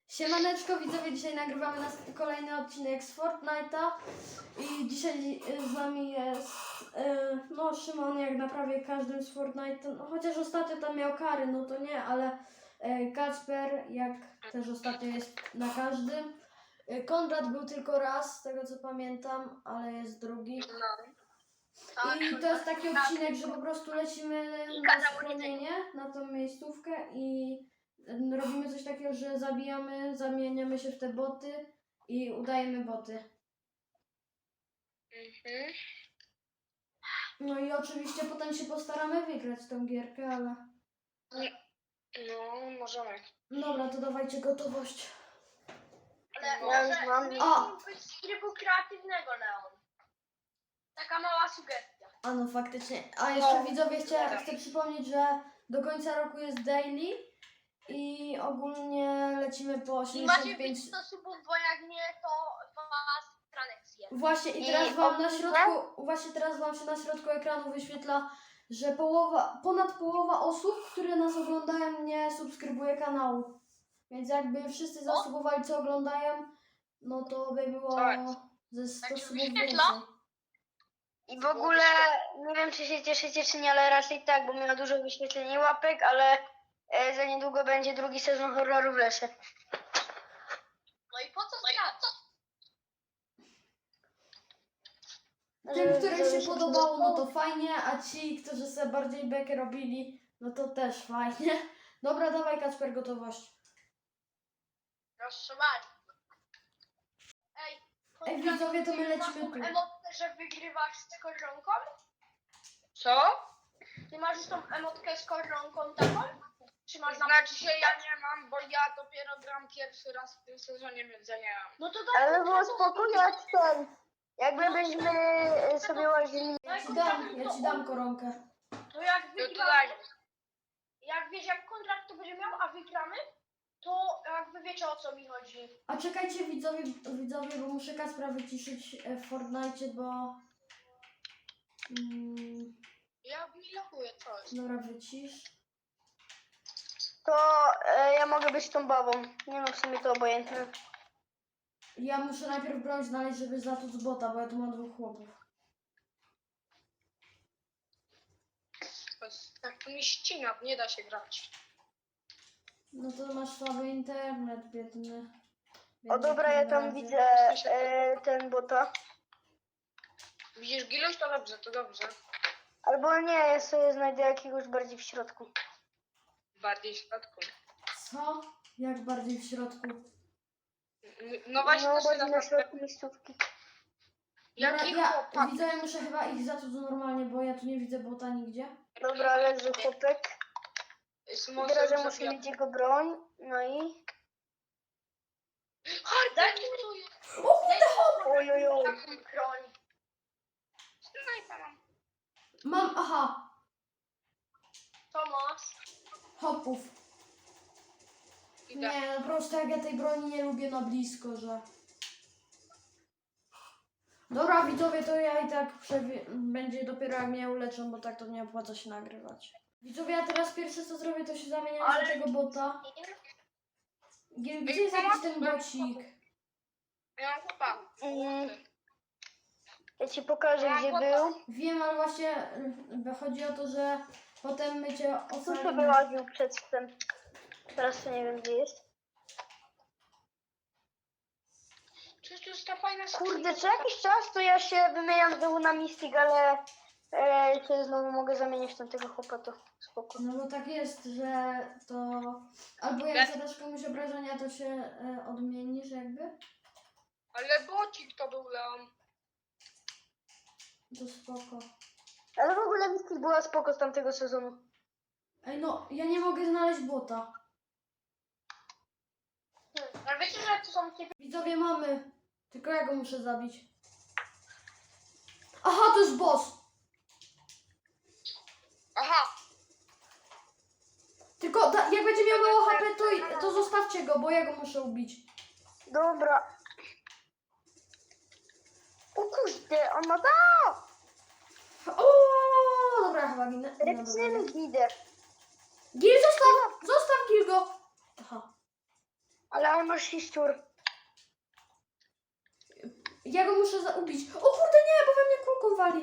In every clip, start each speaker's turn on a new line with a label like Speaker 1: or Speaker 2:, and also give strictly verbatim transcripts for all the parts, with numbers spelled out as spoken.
Speaker 1: Siemaneczko widzowie, dzisiaj nagrywamy nas kolejny odcinek z Fortnite'a i dzisiaj z nami jest yy, no Szymon, jak na prawie każdym z Fortnite'a, no, chociaż ostatnio tam miał kary, no to nie, ale yy, Kacper, jak też ostatnio jest na każdym. Yy, Konrad był tylko raz, z tego co pamiętam, ale jest drugi. I to jest taki odcinek, że po prostu lecimy na schronienie, na tą miejscówkę i robimy coś takiego, że zabijamy, zamieniamy się w te boty i udajemy boty.
Speaker 2: Mhm.
Speaker 1: No i oczywiście potem się postaramy wygrać tą gierkę, ale...
Speaker 2: No, możemy.
Speaker 1: Dobra, to dawajcie gotowość.
Speaker 2: Ale
Speaker 3: Ja
Speaker 2: może
Speaker 3: już mam.
Speaker 1: A!
Speaker 2: być z trybu kreatywnego, Leon. Taka mała sugestia.
Speaker 1: A no faktycznie. A jeszcze
Speaker 2: No.
Speaker 1: widzowie chcę, chcę przypomnieć, że do końca roku jest daily i ogólnie lecimy po
Speaker 2: I macie
Speaker 1: osiemdziesiąt pięć...
Speaker 2: być sto subów, bo jak nie, to was stranek zje.
Speaker 1: Właśnie i
Speaker 3: I
Speaker 1: teraz wam na
Speaker 3: ogólnie-
Speaker 1: środku, właśnie teraz wam się na środku ekranu wyświetla, że połowa, ponad połowa osób, które nas oglądają, nie subskrybuje kanału. Więc jakby wszyscy zasubowali, co oglądają, no to by było
Speaker 2: Tak.
Speaker 1: ze sto
Speaker 2: Tak się
Speaker 1: subów
Speaker 2: wyświetla?
Speaker 1: więcej.
Speaker 3: I w ogóle nie wiem, czy się cieszycie, czy nie, ale raczej tak, bo miała dużo wyświetleń i łapek, ale e, za niedługo będzie drugi sezon horroru w lesie.
Speaker 2: No i po co stracać?
Speaker 1: Tym,
Speaker 3: Żeby-
Speaker 1: którym
Speaker 3: żeby
Speaker 1: się
Speaker 3: się
Speaker 1: podobało, no to fajnie, a ci, którzy sobie bardziej bekę robili, no to też fajnie. Dobra, dawaj Kacper, gotowość.
Speaker 2: Proszę bardzo. Ej,
Speaker 1: Ej, widzowie, to my
Speaker 2: ty masz
Speaker 1: lecimy
Speaker 2: tą
Speaker 1: tu.
Speaker 2: emotkę, że wygrywasz z koronką? Co? Ty masz już tą emotkę z koronką taką? Czy masz znaczy się ja nie mam, bo ja dopiero gram pierwszy raz w tym sezonie, więc ja nie mam. No to daj
Speaker 3: Ale było
Speaker 2: kontraktą,
Speaker 3: spokój, jak ten. Jakby byśmy e, sobie łazili.
Speaker 1: Ja ci dam, ja ci dam koronkę.
Speaker 2: To jak
Speaker 3: No
Speaker 2: wygramy, jak wiesz, jak kontrakt to będzie miał, a wygramy, to jakby wiecie, o co mi chodzi.
Speaker 1: A czekajcie widzowie, widzowie, bo muszę Kacpra wyciszyć e, w Fortnite, bo... Mm,
Speaker 2: Ja mi lokuję coś.
Speaker 1: dobra, wycisz.
Speaker 3: To e, ja mogę być tą babą. Nie no, w sumie to obojętne.
Speaker 1: Ja muszę najpierw broń znaleźć, żeby zatłuc bota, bo ja tu mam dwóch chłopów.
Speaker 2: Tak to mi ścina, nie da się grać.
Speaker 1: No to masz słaby internet, biedny.
Speaker 3: O
Speaker 1: biedny
Speaker 3: dobra, ja tam
Speaker 1: Konradzie.
Speaker 3: widzę e, ten bota.
Speaker 2: Widzisz Giluś? To dobrze, to dobrze.
Speaker 3: Albo nie, ja sobie znajdę jakiegoś bardziej w środku.
Speaker 2: Bardziej w środku.
Speaker 1: Co? Jak bardziej w środku?
Speaker 2: No właśnie,
Speaker 3: No,
Speaker 2: to się
Speaker 3: bardziej na
Speaker 2: na
Speaker 3: środku miejscówki.
Speaker 1: Dobra,
Speaker 2: Jaki
Speaker 1: ja
Speaker 2: chłopak?
Speaker 1: widzę, ja muszę chyba ich zatłuc normalnie, bo ja tu nie widzę bota nigdzie.
Speaker 3: Dobra, leży chłopek.
Speaker 2: Szymon
Speaker 3: I teraz ja
Speaker 2: sobie
Speaker 3: muszę
Speaker 2: zabija.
Speaker 3: mieć jego broń. No i...
Speaker 2: Daj mi to jest.
Speaker 1: O kurde, hop!
Speaker 3: Oj, oj, oj.
Speaker 2: Taką broń. Snajpa mam.
Speaker 1: Mam, aha,
Speaker 2: To masz.
Speaker 1: hopów.
Speaker 2: Idę.
Speaker 1: Nie, no po prostu jak ja tej broni nie lubię na blisko, że... Dobra widzowie, to ja i tak przewi- będzie dopiero jak mnie uleczą, bo tak to nie opłaca się nagrywać. Widzowie, ja teraz pierwsze co zrobię, to się zamieniam
Speaker 2: Ale-
Speaker 1: do tego bota. Gdzie, gdzie jest jakiś ten bocik?
Speaker 2: Ja mam chłopa.
Speaker 3: Mm. Ja ci pokażę, gdzie był.
Speaker 1: Wiem, ale właśnie y, chodzi o to, że potem my cię
Speaker 3: Tu sobie
Speaker 1: ocalimy.
Speaker 3: łaził przedtem. Teraz to nie wiem, gdzie jest.
Speaker 2: Przecież to jest ta fajna
Speaker 3: Kurde, co jakiś czas to ja się wymieniam znowu na Mystic, ale e, się znowu mogę zamienić w tamtego chłopa, to spoko.
Speaker 1: No bo tak jest, że to... Albo jak zadasz komuś obrażenia, to się y, odmienisz jakby.
Speaker 2: Ale bocik to był Leon.
Speaker 1: To spoko.
Speaker 3: Ale w ogóle Mystic była spoko z tamtego sezonu.
Speaker 1: Ej no, ja nie mogę znaleźć bota.
Speaker 2: Hmm. Ale wiecie, że to są takie...
Speaker 1: Widzowie mamy. Tylko ja go muszę zabić. Aha, to jest boss.
Speaker 2: Aha.
Speaker 1: Tylko da, jak będzie miał mało H P, to, to zostawcie go, bo ja go muszę ubić.
Speaker 3: Dobra. O kurde, on ma da!
Speaker 1: O, dobra, chyba ginę. No, dobra.
Speaker 3: Ręczny gider.
Speaker 1: Gil, zostaw! Zostaw Gil go! Aha.
Speaker 3: Ale on masz siszczur.
Speaker 1: Ja go muszę zaubić. O kurde, nie, bo we mnie kulką wali.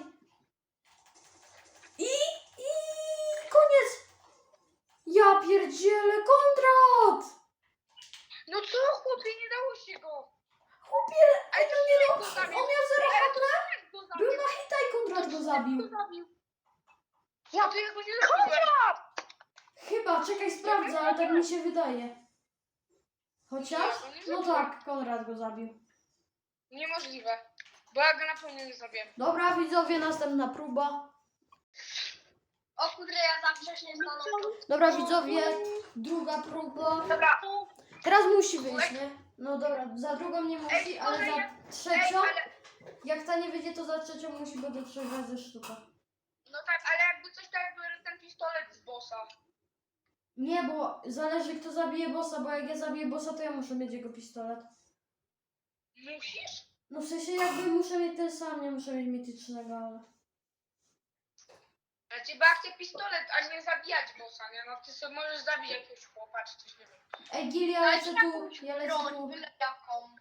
Speaker 1: I, i koniec. Ja pierdzielę, Konrad.
Speaker 2: No co, chłopie, nie dało się go.
Speaker 1: Chłopie,
Speaker 2: Ale
Speaker 1: ej,
Speaker 2: to
Speaker 1: no
Speaker 2: nie
Speaker 1: nie,
Speaker 2: go
Speaker 1: no,
Speaker 2: zabił.
Speaker 1: on miał zero
Speaker 2: Ale
Speaker 1: H
Speaker 2: to
Speaker 1: P.
Speaker 2: jak go zabił?
Speaker 1: Był na hita i Konrad go zabił.
Speaker 2: Go zabił.
Speaker 3: Ja
Speaker 2: No to ja go nie zabiłem.
Speaker 1: Chyba, czekaj, sprawdzę, ale tak mi się wydaje. Chociaż? No tak, Konrad go zabił.
Speaker 2: Niemożliwe. Bo ja go na pewno nie zabiłem.
Speaker 1: Dobra, widzowie, następna próba.
Speaker 2: O kurde, ja za wcześnie stanąłem.
Speaker 1: Dobra, widzowie, druga próba.
Speaker 2: Dobra.
Speaker 1: Teraz musi wyjść, nie? No dobra, za drugą nie musi,
Speaker 2: Ej,
Speaker 1: ale
Speaker 2: może
Speaker 1: za
Speaker 2: ja-
Speaker 1: trzecią,
Speaker 2: Ej, ale,
Speaker 1: jak ta nie wyjdzie, to za trzecią musi, bo do trzech razy sztuka.
Speaker 2: no tak, ale jakby coś tak jakby ten pistolet z bossa.
Speaker 1: Nie, bo zależy kto zabije bossa, bo jak ja zabiję bossa, to ja muszę mieć jego pistolet.
Speaker 2: Musisz?
Speaker 1: No w sensie jakby muszę mieć ten sam, nie muszę mieć mitycznego, ale...
Speaker 2: Znaczy, bo ja chcę pistolet, a nie zabijać bossa, nie? No ty sobie możesz zabić jakiegoś chłopa, czy coś, nie wiem.
Speaker 1: Ej, Gil, ja lecę tu, ja lecę tu.
Speaker 2: byle jaką.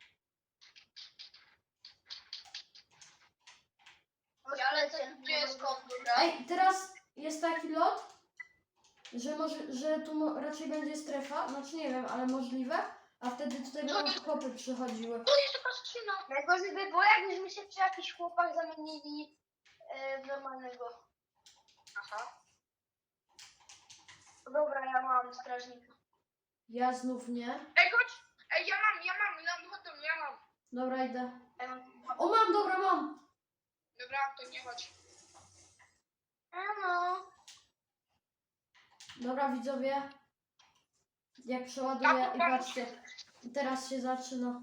Speaker 2: Ja lecę tu, gdzie jest kondura.
Speaker 1: Ej, teraz jest taki lot, że może, że tu mo- raczej będzie strefa, znaczy nie wiem, ale możliwe, a wtedy tutaj będą chłopy przychodziły.
Speaker 2: To jest taka skrzyna.
Speaker 3: Najgorzej by było, jakbyśmy się przy jakichś chłopach zamienili e, w normalnego.
Speaker 2: Aha.
Speaker 3: Dobra, ja mam strażnika.
Speaker 1: Ja znów nie.
Speaker 2: Ej, chodź. Ej, ja mam, ja mam, no chodź, ja mam.
Speaker 1: Dobra, idę.
Speaker 3: Ja mam...
Speaker 1: O, mam, dobra, mam.
Speaker 2: Dobra, to nie chodź.
Speaker 3: Ano.
Speaker 1: Dobra, widzowie. Jak przeładuję i patrzcie. Teraz się zaczyna.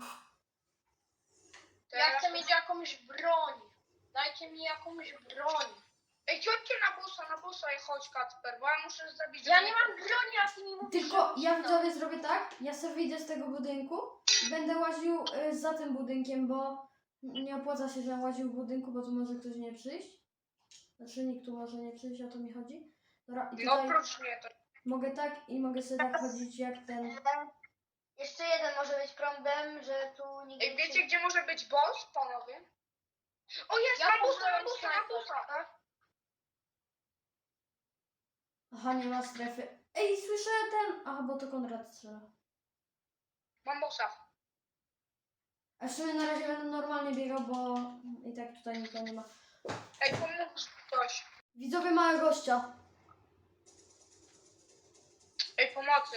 Speaker 2: Ja chcę mieć jakąś broń. Dajcie mi jakąś broń. Ej, chodźcie na bossa, na bossa i chodź, Kacper, bo ja muszę zabić...
Speaker 3: Ja nie mam broni, a ty mi mówisz,
Speaker 1: Tylko
Speaker 3: że
Speaker 1: ja
Speaker 3: mam
Speaker 1: widzowie zrobię tak, ja sobie wyjdę z tego budynku i będę łaził y, za tym budynkiem, bo nie opłaca się, że łaził w budynku, bo tu może ktoś nie przyjść. Znaczy nikt tu może nie przyjść, o to mi chodzi. Dobra, i
Speaker 2: No
Speaker 1: tutaj
Speaker 2: oprócz mnie to...
Speaker 1: mogę tak i mogę sobie tak chodzić jak ten.
Speaker 3: E, Jeszcze jeden może być problem, że tu nigdy
Speaker 2: Ej, wiecie, gdzie może być boss, panowie? O, jest,
Speaker 3: Ja
Speaker 2: na bossa, na
Speaker 3: poznałem
Speaker 2: bossa, na
Speaker 3: snajper,
Speaker 2: bossa.
Speaker 3: tak?
Speaker 1: Aha, nie ma strefy. Ej, słyszę ten. Aha, bo to Konrad strzela.
Speaker 2: Mam bossa.
Speaker 1: A w sumie na razie będę normalnie biegał, bo i tak tutaj nikogo nie ma.
Speaker 2: Ej, pomóż ktoś.
Speaker 1: Widzowie, mają gościa.
Speaker 2: Ej, pomocy.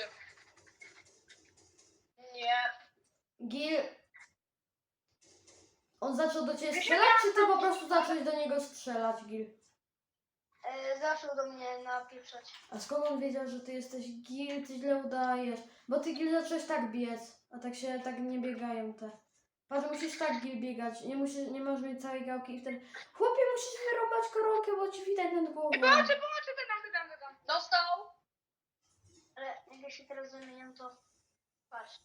Speaker 2: Nie.
Speaker 1: Gil. On zaczął do ciebie strzelać, czy ty po prostu zacząłeś do niego strzelać, Gil?
Speaker 3: E, zaczął do mnie napieprzać.
Speaker 1: A skąd on wiedział, że ty jesteś Gil, ty źle udajesz? Bo ty Gil zacząłeś tak biec, a tak się tak nie biegają te. Patrz, musisz tak Gil biegać, nie, musisz, nie możesz mieć całej gałki i wtedy... Chłopie, musisz wyrąbać koronkę, bo ci widać nad głową.
Speaker 2: Ej, pomocy, pomocy, ty tam, ty tam, ty tam. Dostał.
Speaker 3: Ale jak ja się teraz zamieniam, to patrz.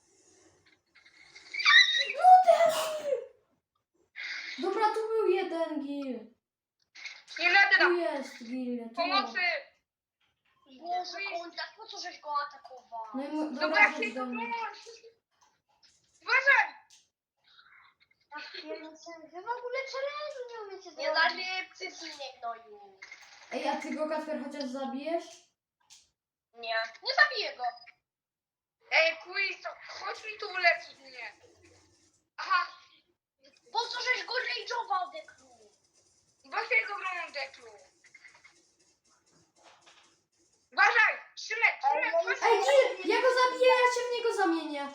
Speaker 1: No debil! Dobra, tu był jeden Gil.
Speaker 2: Nie będę
Speaker 1: Tu
Speaker 2: tam.
Speaker 1: jest Gil, tu.
Speaker 2: Pomocy.
Speaker 3: Boże, kontakt, po co żeś go atakował?
Speaker 1: No i mu...
Speaker 2: Dobra,
Speaker 1: dobra,
Speaker 2: jak
Speaker 1: chodź
Speaker 2: się
Speaker 1: do mnie.
Speaker 2: Uważaj.
Speaker 3: Ach, piernicy, wy w ogóle challenge'u nie umiecie zrobić.
Speaker 2: Nie zabiję cytlinie gnoju.
Speaker 1: Ej, a ty go, Kacper, chociaż zabijesz?
Speaker 2: Nie. Nie zabiję go. Ej, quiz, to chodź mi tu uleczyć mnie. Aha.
Speaker 3: Po co żeś go rage'ował, Deklu?
Speaker 2: Bo się jego bronią deklu. Uważaj. Szymek, Szymek, chodź.
Speaker 1: Ej, Gil, ja go zabiję, ja się w niego zamienię.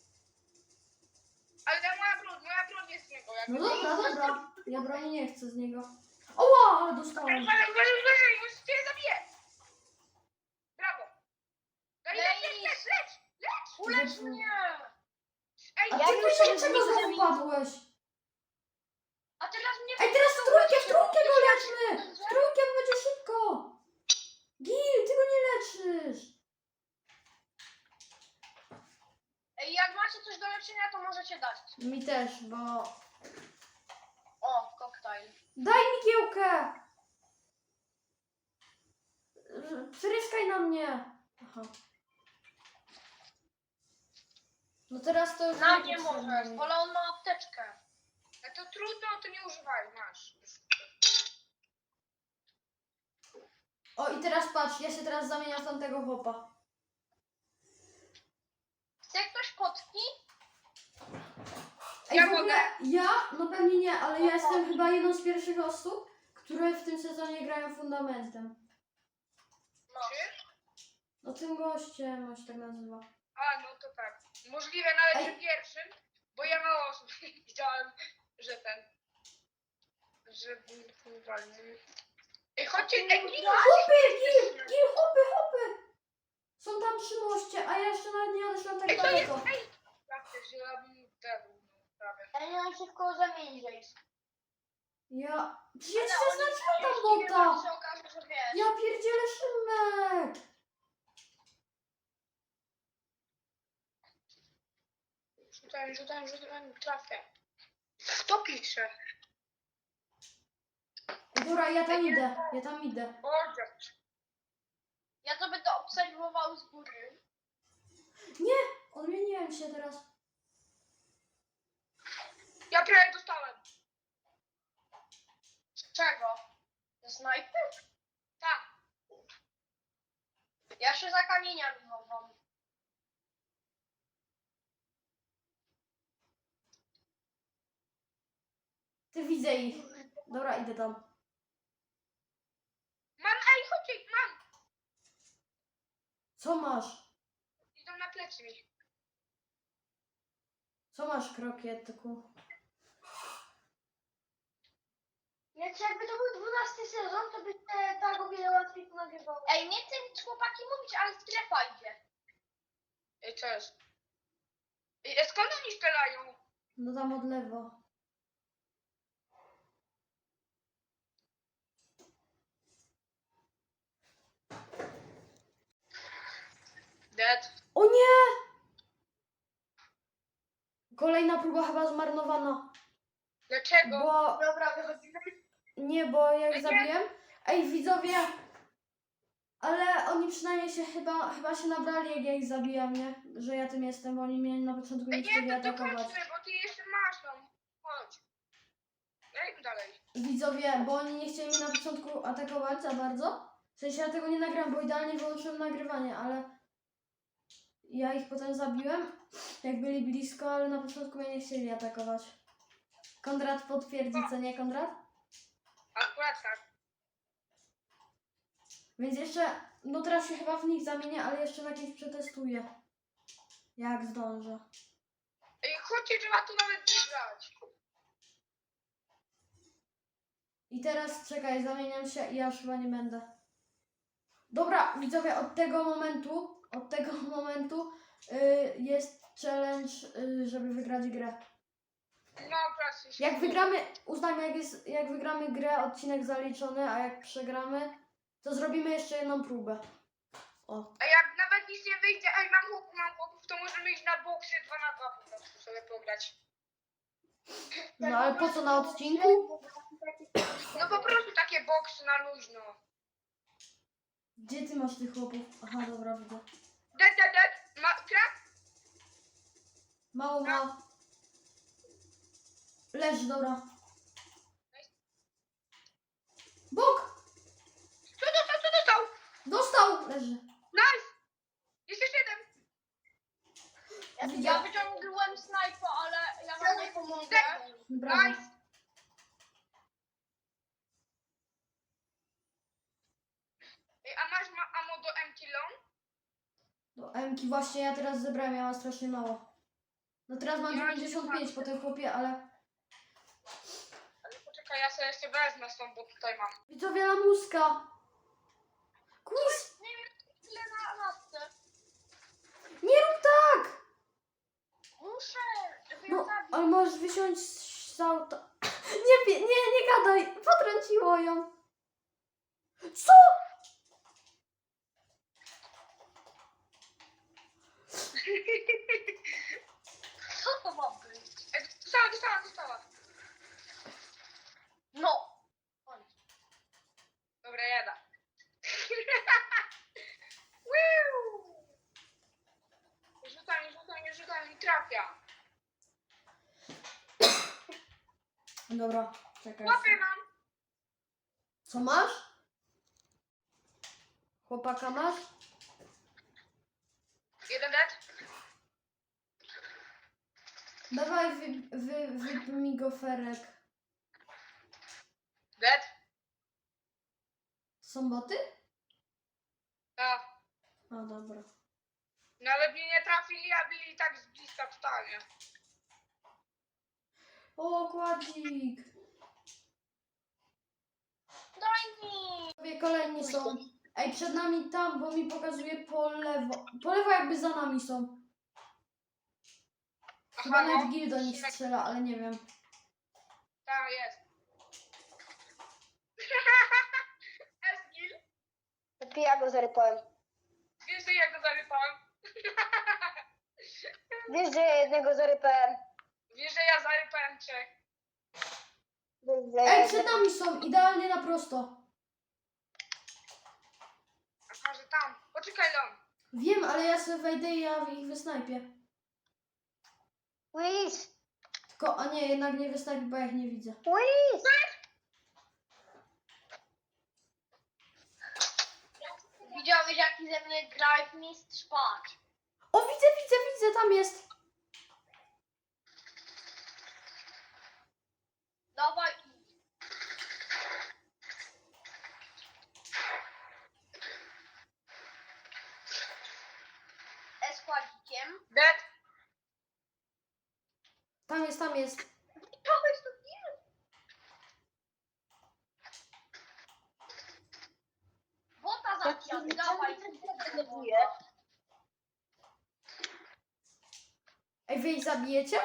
Speaker 2: Ale moja broń, moja broń jest z niego. Jak
Speaker 1: No dobra, dobra. Ja broni nie chcę z niego. Oła, ale dostałem.
Speaker 2: Uważaj, uważaj, uważaj, już cię zabiję. Brawo. Daj, leć, leć, leć, leć, leć.
Speaker 1: Ulecz mnie.
Speaker 2: Ej,
Speaker 1: A
Speaker 3: Ja
Speaker 1: ty
Speaker 3: już
Speaker 1: tutaj
Speaker 3: się
Speaker 1: czego
Speaker 3: nie
Speaker 1: znowu padłeś?
Speaker 2: a teraz mnie...
Speaker 1: Ej, teraz w trójkę, w trójkę go leczmy! W trójkę, bo będzie szybko. Gil, ty go nie leczysz.
Speaker 2: Ej, jak macie coś do leczenia, to możecie dać.
Speaker 1: Mi też, bo...
Speaker 2: O, koktajl.
Speaker 1: Daj mi giełkę! Przyryskaj na mnie! Aha. No teraz to już
Speaker 2: Na
Speaker 1: nie
Speaker 2: mnie
Speaker 1: potrzebne
Speaker 2: możesz,
Speaker 1: mi.
Speaker 2: ale on ma apteczkę.
Speaker 4: No to trudno, to nie używaj, masz.
Speaker 1: O i teraz patrz, ja się teraz zamieniam w tamtego chłopa.
Speaker 2: Chce ktoś potki?
Speaker 1: Ej,
Speaker 4: Ja
Speaker 1: w ogóle
Speaker 4: mogę.
Speaker 1: ja, no pewnie nie, ale ja jestem chyba jedną z pierwszych osób, które w tym sezonie grają fundamentem.
Speaker 2: No.
Speaker 4: Czy?
Speaker 1: No tym gościem, on się tak nazywa.
Speaker 4: A, no to tak. Możliwe nawet,
Speaker 1: Ej.
Speaker 4: że pierwszym, bo ja mało osób widziałem, że ten, że wywalił. Ej, chodźcie, ej, Gil,
Speaker 1: Hopy, Gil, Gil, hopy, hopy! Są tam przy moście, a ja jeszcze nawet nie odeszłam tak
Speaker 4: ej, to jest,
Speaker 1: daleko.
Speaker 4: ej! Tak też, że ja bym tego, no, prawie.
Speaker 2: Ja nie mam się w koło zamienić, Jace.
Speaker 1: Ja... Przecież ja ci
Speaker 2: Ale oni
Speaker 1: zaznaczyłam tam
Speaker 2: jeśli
Speaker 1: bota!
Speaker 2: się okaże, że wiesz.
Speaker 1: Ja pierdzielę Szymek!
Speaker 4: Rzucałem, rzucałem, rzucałem, trafię. Kto pisze?
Speaker 1: Dobra, ja tam idę, ja tam idę.
Speaker 4: O, dziewczyny.
Speaker 2: Ja to będę obserwował z góry.
Speaker 1: Nie! Odmieniłem się teraz.
Speaker 4: Ja prawie dostałem.
Speaker 2: Z czego? Ze snajpy?
Speaker 4: Tak.
Speaker 2: Ja się za kamieniami chowam.
Speaker 1: Ty widzę ich. Dobra, idę tam.
Speaker 4: Mam, ej, chodźcie, mam.
Speaker 1: Co masz?
Speaker 4: Idą na plecy mi.
Speaker 1: Co masz, krokietku?
Speaker 3: Więc jakby to był dwunasty sezon, to by się tak o wiele łatwiej to nagrywało.
Speaker 2: Ej, nie chcę nic chłopaki mówić, ale strefa idzie.
Speaker 4: Ej, co jest? Ej, a skąd oni strzelają?
Speaker 1: No tam od lewo.
Speaker 4: Dead.
Speaker 1: O nie! Kolejna próba chyba zmarnowana.
Speaker 4: Dlaczego?
Speaker 1: Bo...
Speaker 2: Dobra, wychodzimy.
Speaker 1: Nie, bo jak
Speaker 4: Nie.
Speaker 1: zabiłem... Ej, widzowie! Ale oni przynajmniej się chyba... Chyba się nabrali, jak ja ich zabijam, nie? Że ja tym jestem, bo oni mnie na początku nie
Speaker 4: Ej,
Speaker 1: chcieli
Speaker 4: nie, to
Speaker 1: atakować.
Speaker 4: dokończmy, bo ty jeszcze masz tam. Chodź. Ej, dalej.
Speaker 1: Widzowie, bo oni nie chcieli mnie na początku atakować za bardzo. W sensie ja tego nie nagrałem, bo idealnie wyłączyłem nagrywanie, ale ja ich potem zabiłem, jak byli blisko, ale na początku mnie nie chcieli atakować. Konrad potwierdzi, co nie, Konrad?
Speaker 4: Akurat tak.
Speaker 1: Więc jeszcze, no teraz się chyba w nich zamienię, ale jeszcze na kimś przetestuję. Jak zdążę.
Speaker 4: Ej, chodźcie, trzeba tu nawet nie grać.
Speaker 1: I teraz czekaj, zamieniam się i ja już chyba nie będę. Dobra, widzowie, od tego momentu, od tego momentu y, jest challenge, y, żeby wygrać grę.
Speaker 4: No, akurat się
Speaker 1: Jak wygramy, uznajmy, jak, jest, jak wygramy grę, odcinek zaliczony, a jak przegramy, to zrobimy jeszcze jedną próbę. O,
Speaker 4: A jak nawet nic nie wyjdzie, ej, mam chłopów, mam chłopów, to możemy iść na boksy dwa na dwa po prostu sobie pograć.
Speaker 1: no ale po co na odcinku?
Speaker 4: No po prostu takie boksy na luźno.
Speaker 1: Gdzie ty masz tych chłopów? Aha, dobra, widzę.
Speaker 4: Dead, dead, dead. Ma, krak?
Speaker 1: Mało ma. Leży, dobra. Bok!
Speaker 4: Co dostał, co dostał?
Speaker 1: Dostał! Leży.
Speaker 4: Nice! Jest jeszcze jeden.
Speaker 2: Ja,
Speaker 1: Widzę.
Speaker 2: ja wyciągnąłem snajpę, ale ja wam nie pomogę.
Speaker 1: Brawo.
Speaker 4: Nice. Ej, a masz ma ammo do empty long?
Speaker 1: Do Emki właśnie ja teraz zebrałem, ja mam strasznie mało. No teraz mam
Speaker 4: Ja
Speaker 1: dziewięćdziesiąt pięć po tym chłopie, ale...
Speaker 4: Ale poczekaj, ja sobie jeszcze wezmę stąd, bo tutaj mam.
Speaker 1: Widzowie, lamuska! Quiz!
Speaker 2: Nie wiem, ile na lasce.
Speaker 1: Nie rób tak!
Speaker 2: Muszę, żeby ją
Speaker 1: No,
Speaker 2: zabić.
Speaker 1: ale możesz wysiąść z auta. Nie, pie- nie, nie gadaj! Potrąciło ją! Co?
Speaker 2: Co to ma być?
Speaker 4: Ej, dostała, dostała, dostała.
Speaker 2: No. Chodź.
Speaker 4: Dobra, jada. Woo! Rzucam, rzucam, rzucam i trafię.
Speaker 1: Dobra, czekaj.
Speaker 4: Łapy mam.
Speaker 1: Co masz? Chłopaka masz?
Speaker 4: Jeden dead.
Speaker 1: Dawaj, wy, wy, wyp mi goferek.
Speaker 4: Dead.
Speaker 1: Są boty?
Speaker 4: Tak.
Speaker 1: A, dobra.
Speaker 4: No ale mnie nie trafili, a byli tak z bliska totalnie.
Speaker 1: O, kładzik!
Speaker 2: Daj mi!
Speaker 1: Sobie kolejni są. Ej, przed nami tam, bo mi pokazuje po lewo. Po lewo jakby za nami są. Chyba
Speaker 4: Aha,
Speaker 1: nawet
Speaker 4: no.
Speaker 1: Gil do nich strzela, ale nie wiem.
Speaker 4: Tak, jest. Esgil.
Speaker 3: Lepiej ja go zarypałem.
Speaker 4: Wiesz, że ja go zarypałem?
Speaker 3: Wiesz, że ja jednego zarypałem.
Speaker 4: Wiesz, że ja zarypałem trzech.
Speaker 3: Wiesz, że ja
Speaker 1: Ej, przed
Speaker 3: jednego...
Speaker 1: nami są, idealnie na prosto.
Speaker 4: Aha, że tam. Poczekaj, Lon.
Speaker 1: Wiem, ale ja sobie wejdę i ja ich wysnajpię.
Speaker 3: Wiz!
Speaker 1: Tylko, a nie, jednak nie wysnajpię, bo ja ich nie widzę.
Speaker 3: Wiz!
Speaker 2: Widziałeś jaki ze mnie drive mistrz? Patrz.
Speaker 1: O, widzę, widzę, widzę, tam jest.
Speaker 2: Dawaj. E z kładzikiem.
Speaker 4: Dead.
Speaker 1: Tam jest, tam jest.
Speaker 2: To jest to kill. Bota zaciął, dawaj.
Speaker 1: Ej, wy ich zabijecie?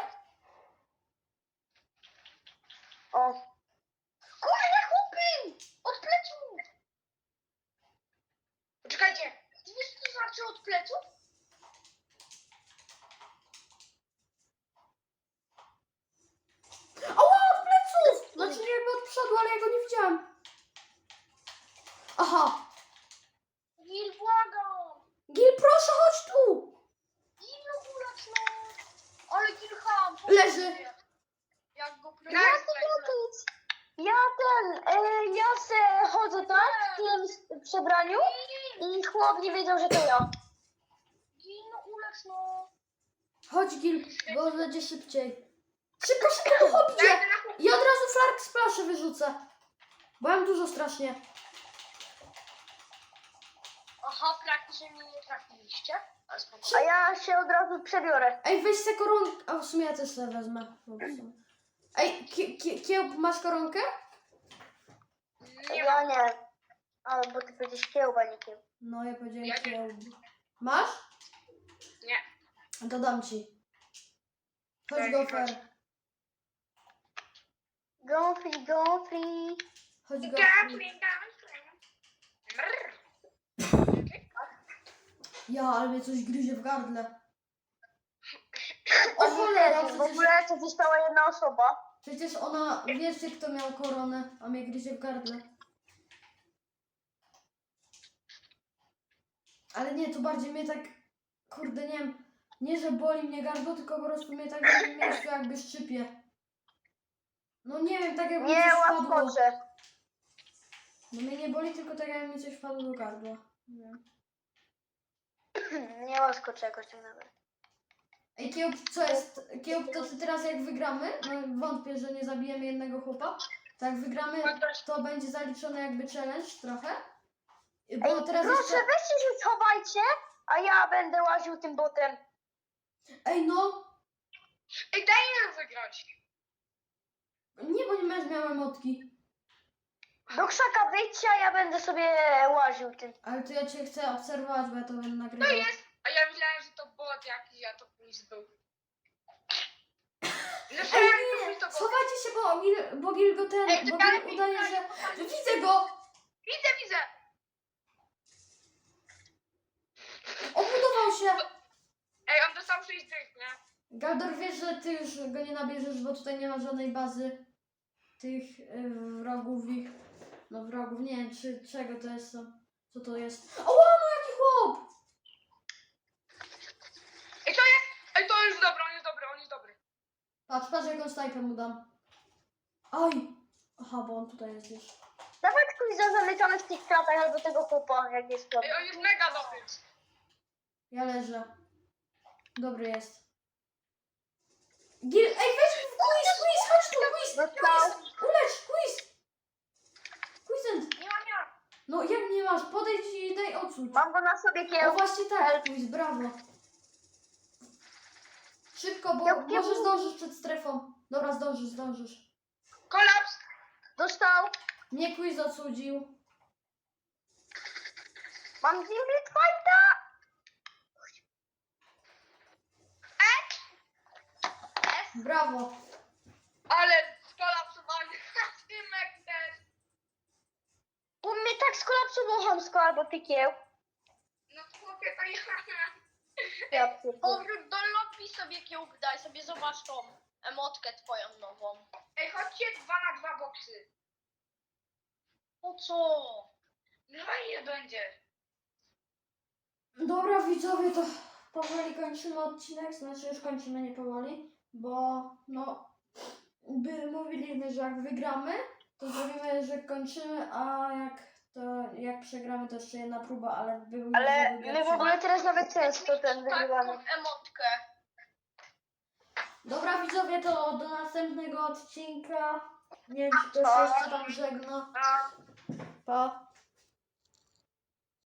Speaker 3: O,
Speaker 2: Kurde, chłopy! Od pleców!
Speaker 4: Poczekajcie.
Speaker 2: Ty wiesz co to znaczy od pleców?
Speaker 1: Ała, od pleców! Znaczy nie jakby od przodu, ale ja go nie widziałam. Aha.
Speaker 2: Gil, błagam!
Speaker 1: Gil, proszę, chodź tu!
Speaker 2: Gil, no ulecz no! Ale Gil ham!
Speaker 1: Leży.
Speaker 2: Jak go
Speaker 3: ja
Speaker 2: plecił.
Speaker 3: to nic. Ja ten, e, ja se chodzę tak w tym przebraniu i chłop nie wiedział, że to ja.
Speaker 2: Gil, no ulecz no!
Speaker 1: Chodź, Gil, bo będzie szybciej. Szybko, szybko, chodźcie!
Speaker 4: Jadę na chłop.
Speaker 1: I od razu flark z plaszy wyrzucę. Bo mam dużo strasznie.
Speaker 2: Aha, praktycznie mnie nie trafiliście. Ale
Speaker 3: A
Speaker 2: spokojnie.
Speaker 3: ja się od razu przebiorę.
Speaker 1: Ej, weź se koronkę. A w sumie ja też sobie wezmę. Ej, ki ki kiełb, masz koronkę?
Speaker 4: Nie
Speaker 3: Ja
Speaker 4: mam.
Speaker 3: nie. A, bo ty powiedziałeś kiełba, nie kiełb.
Speaker 1: No, ja powiedziałem
Speaker 4: Ja nie.
Speaker 1: kiełb. Masz?
Speaker 4: Nie.
Speaker 1: To dam ci. Chodź,
Speaker 4: Daj,
Speaker 1: gofer.
Speaker 4: chodź.
Speaker 3: Go free, go free.
Speaker 1: Chodź,
Speaker 4: Gapling,
Speaker 1: gofer.
Speaker 4: gapling. Mrr.
Speaker 1: Ja, ale mnie coś gryzie w gardle. O cholera,
Speaker 3: W
Speaker 1: przecież,
Speaker 3: ogóle to została jedna osoba.
Speaker 1: przecież ona, wiecie kto miał koronę, a mnie gryzie w gardle. Ale nie, to bardziej mnie tak, kurde, nie wiem, nie że boli mnie gardło, tylko po prostu mnie tak w jednym miejscu jakby szczypie. No nie wiem, tak jakby mi
Speaker 3: Nie,
Speaker 1: coś wpadło.
Speaker 3: łaskocze.
Speaker 1: No mnie nie boli, tylko tak jakby mi coś wpadło do gardła. Nie wiem.
Speaker 3: Nie łaskocze jakoś tak nawet.
Speaker 1: Ej, Kiełb, co jest? Kiełb, to ty teraz jak wygramy, no wątpię, że nie zabijemy jednego chłopa, to jak wygramy, to będzie zaliczone jakby challenge trochę. Bo
Speaker 3: Ej,
Speaker 1: teraz
Speaker 3: proszę,
Speaker 1: jeszcze...
Speaker 3: weźcie się schowajcie, a ja będę łaził tym botem.
Speaker 1: Ej, no!
Speaker 4: Ej, daj nam wygrać.
Speaker 1: Nie, bo nie będziesz miał emotki.
Speaker 3: Do krzaka wyjdźcie, a ja będę sobie łaził tym.
Speaker 1: Ale to ja cię chcę obserwować, bo ja to będę
Speaker 4: To
Speaker 1: nagrywał.
Speaker 4: jest. A ja myślałem, że to bot jakiś, a to później był.
Speaker 1: Ej,
Speaker 4: Myślałem, że to
Speaker 1: nie!
Speaker 4: później to bot.
Speaker 1: Schowajcie się, bo Gil, bo Gil go ten...
Speaker 2: Ej,
Speaker 1: Bo
Speaker 2: czekaj,
Speaker 1: Gil udaje, że...
Speaker 2: czekaj,
Speaker 1: Widzę go!
Speaker 4: Widzę, widzę.
Speaker 1: Obudował się!
Speaker 4: Ej, on dostał sześć dych, nie?
Speaker 1: Galdor, wiesz, że ty już go nie nabierzesz, bo tutaj nie ma żadnej bazy tych y, wrogów ich. No wrogów, nie wiem czy czego to jest to. Co to jest? O, no jaki chłop!
Speaker 4: Ej, to jest. Ej, to jest dobry, on jest dobry, on jest dobry.
Speaker 1: Patrz, patrz jaką snajpę mu dam. Oj! Aha, bo on tutaj jest już.
Speaker 3: Dawaj Squeeza zamykamy w tych kratach albo tego chłopa, jak jest to.
Speaker 4: Ej, on jest mega dobry.
Speaker 1: Ja leżę. Dobry jest. Gil... Ej, weź quiz, quiz, chodź tu, quiz!
Speaker 3: Dostał.
Speaker 1: Ulecz, quiz! Quizent!
Speaker 2: Nie mam ja.
Speaker 1: No jak nie masz? Podejdź i daj odsłuch.
Speaker 3: Mam go na sobie
Speaker 1: O
Speaker 3: kieł.
Speaker 1: właśnie tak, quiz, brawo. Szybko, bo
Speaker 3: Kieł, kieł.
Speaker 1: może zdążysz przed strefą. Dobra, zdążysz, zdążysz.
Speaker 4: Kolaps.
Speaker 3: Dostał.
Speaker 1: Mnie quiz odsudził.
Speaker 3: Mam Gimlet Fighta.
Speaker 1: Brawo.
Speaker 4: Ale skolapsowany. Tymek też.
Speaker 3: U mnie tak skolapsował chamsko albo ty kieł.
Speaker 4: No chłopie, to ja.
Speaker 3: Ja pierdolę.
Speaker 2: Powrót do lobby sobie kiełk daj, sobie zobacz tą emotkę twoją nową.
Speaker 4: Ej, chodźcie dwa na dwa boksy.
Speaker 2: Po co?
Speaker 4: No i nie będzie.
Speaker 1: Dobra widzowie, to powoli kończymy odcinek, znaczy już kończymy nie powoli, bo no by mówiliśmy, że jak wygramy, to zrobimy, że kończymy, a jak to jak przegramy to jeszcze jedna próba, ale był
Speaker 3: Ale my w ogóle teraz nawet często ten
Speaker 2: Taką
Speaker 3: wygrywamy.
Speaker 2: emotkę.
Speaker 1: Dobra widzowie, to do następnego odcinka. Nie wiem czy ktoś jeszcze tam żegna.
Speaker 4: A.
Speaker 1: Pa.